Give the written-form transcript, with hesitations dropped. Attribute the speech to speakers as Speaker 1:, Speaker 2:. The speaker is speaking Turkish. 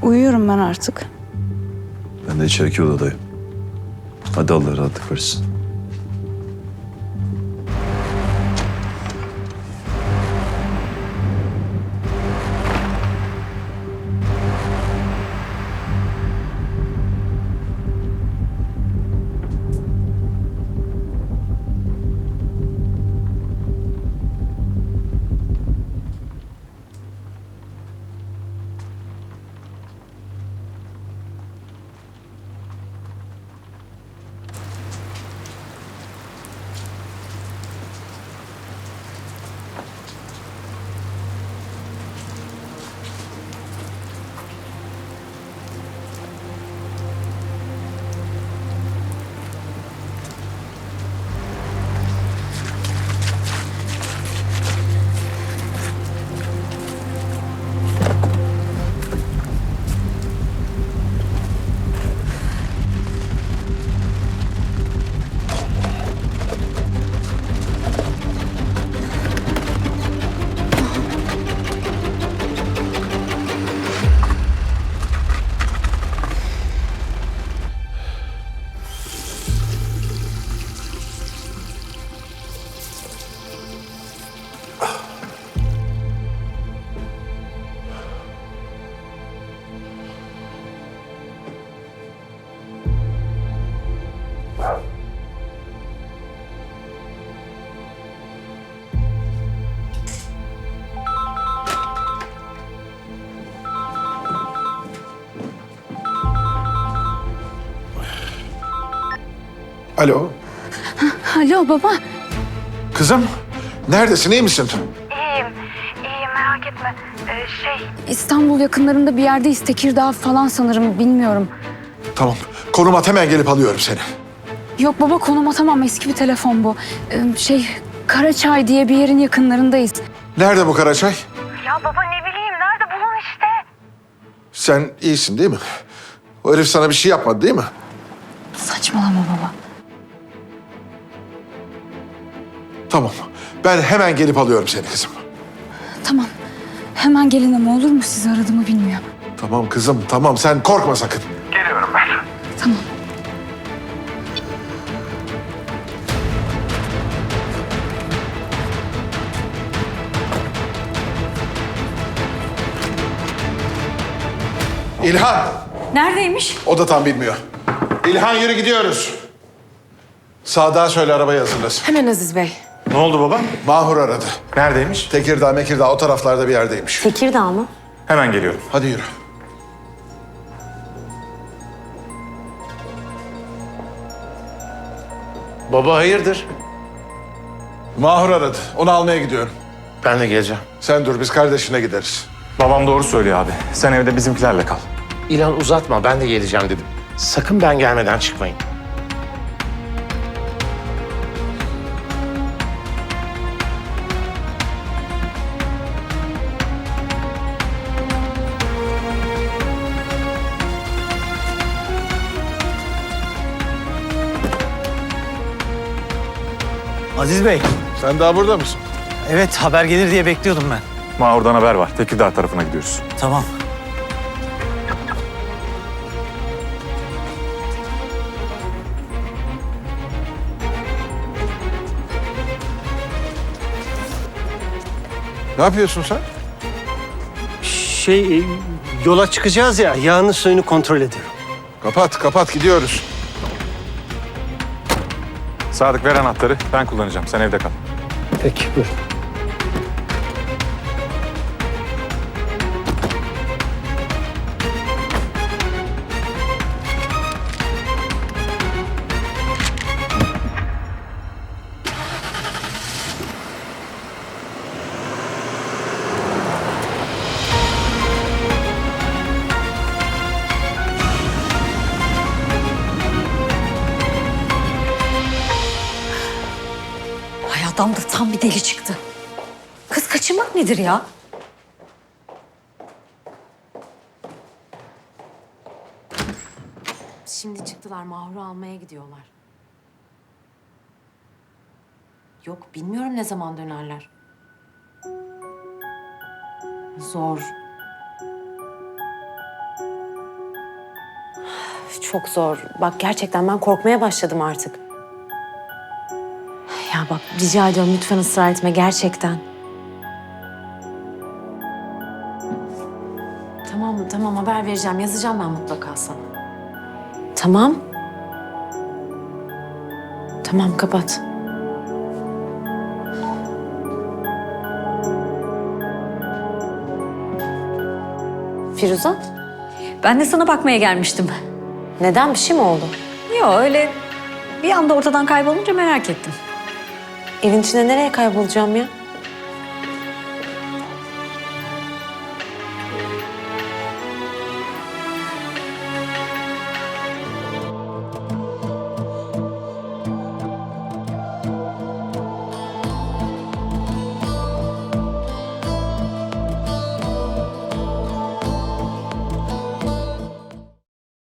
Speaker 1: Uyuyorum ben artık.
Speaker 2: Ben de içeriki odadayım. Hadi Allah rahatlık versin.
Speaker 3: Alo.
Speaker 1: Alo baba.
Speaker 3: Kızım, neredesin, iyi misin?
Speaker 1: İyiyim merak etme. İstanbul yakınlarında bir yerdeyiz. Tekirdağ falan sanırım, bilmiyorum.
Speaker 3: Tamam, konum at, hemen gelip alıyorum seni.
Speaker 1: Yok baba, konum atamam, eski bir telefon bu. Karaçay diye bir yerin yakınlarındayız.
Speaker 3: Nerede bu Karaçay?
Speaker 1: Ya baba ne bileyim, nerede, bulun işte.
Speaker 3: Sen iyisin değil mi? O herif sana bir şey yapmadı değil mi?
Speaker 1: Saçmalama baba.
Speaker 3: Tamam, ben hemen gelip alıyorum seni kızım.
Speaker 1: Tamam. Hemen gelin ama olur mu? Sizi aradığımı bilmiyor.
Speaker 3: Tamam kızım, tamam, sen korkma sakın.
Speaker 1: Tamam.
Speaker 3: İlhan,
Speaker 1: Neredeymiş?
Speaker 3: o da tam bilmiyor. İlhan yürü gidiyoruz. Sadık'a söyle arabayı hazırlasın.
Speaker 4: Hemen Aziz Bey.
Speaker 5: Ne oldu baba?
Speaker 3: Mahur aradı.
Speaker 5: Neredeymiş?
Speaker 3: Tekirdağ, Mekirdağ o taraflarda bir yerdeymiş.
Speaker 4: Tekirdağ mı?
Speaker 5: Hemen geliyorum.
Speaker 3: Hadi yürü.
Speaker 6: Baba hayırdır?
Speaker 3: Mahur aradı, onu almaya gidiyorum.
Speaker 6: Ben de geleceğim.
Speaker 3: Sen dur, biz kardeşine gideriz.
Speaker 5: Babam doğru söylüyor abi. Sen evde bizimkilerle kal.
Speaker 6: İlan uzatma, ben de geleceğim dedim. Sakın ben gelmeden çıkmayın.
Speaker 7: Aziz Bey,
Speaker 3: Sen daha burada mısın?
Speaker 7: evet haber gelir diye bekliyordum ben.
Speaker 5: Mahur'dan haber var. Tekirdağ tarafına gidiyoruz.
Speaker 7: Tamam.
Speaker 3: Ne yapıyorsun sen?
Speaker 7: Yola çıkacağız ya, yağını suyunu kontrol ediyorum.
Speaker 3: Kapat, kapat, gidiyoruz.
Speaker 5: Sadık ver anahtarı. Ben kullanacağım. Sen evde kal.
Speaker 7: Peki, buyur.
Speaker 4: Ay adam da tam bir deli çıktı. Kız kaçırmak nedir ya? Şimdi çıktılar, Mahur'u almaya gidiyorlar. Yok, bilmiyorum ne zaman dönerler. Zor.
Speaker 8: çok zor. Bak gerçekten ben korkmaya başladım artık. Ya bak rica ediyorum lütfen ısrar etme gerçekten. Tamam haber vereceğim. Yazacağım ben mutlaka sana. Tamam. Tamam kapat. Firuze?
Speaker 4: Ben de sana bakmaya gelmiştim.
Speaker 8: Neden bir şey mi oldu?
Speaker 4: Yok öyle bir anda ortadan kaybolunca merak ettim.
Speaker 8: Evin içinde nereye kaybolacağım ya?